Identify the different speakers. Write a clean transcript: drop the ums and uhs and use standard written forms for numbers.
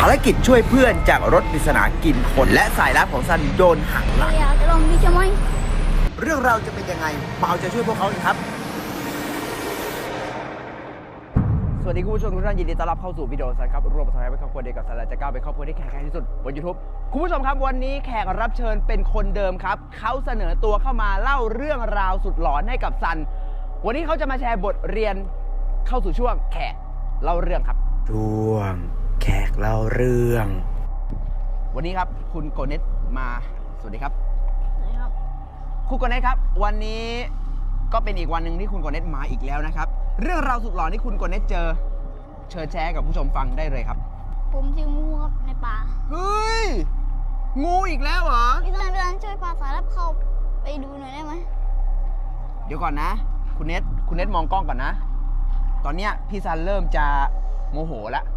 Speaker 1: ภารกิจช่วยเพื่อนจากรถปริศนากินคนและสายลับของซันโดนหักหลังเรื่องราวจะเป็นยังไงมาเอาใจช่วยพวกเขากันครับสวัสดีคุณผู้ชมทุกท่านยินดีต้อนรับเข้าสู่วิดีโอซันครับรวมประสบการณ์เป็นครอบครัวเดียวกับซันและจะก้าวเป็นครอบครัวที่แข็งแกร่งที่สุดบน YouTube คุณผู้ชมครับวันนี้แขกรับเชิญเป็นคนเดิมครับเขาเสนอตัวเข้ามาเล่าเรื่องราวสุดหลอนให้กับซันวันนี้เขาจะมาแชร์บทเรียนเข้าสู่ช่วงแขกเล่าเรื่องครับช่วงแขกเล่าเรื่องวันนี้ครับคุณโกเน็ตมาสวัสดีครับคุณโกเน็ตครับวันนี้ก็เป็นอีกวันหนึ่งที่คุณโกเน็ตมาอีกแล้วนะครับเรื่องราวสุดหลอนที่คุณโกเน็ตเจอเชิญแชร์กับผู้ชมฟังได้เลยครับ
Speaker 2: ผมเจองูครับในป่า
Speaker 1: เฮ้ยงูอีกแล้วเหรอ
Speaker 2: พี่ซันช่วยพาสายลับเข้าไปดูหน่อยได้ไหม
Speaker 1: เดี๋ยวก่อนนะคุณเน็ตมองกล้องก่อนนะตอนเนี้ยพี่ซันเริ่มจะโมโหแล้ว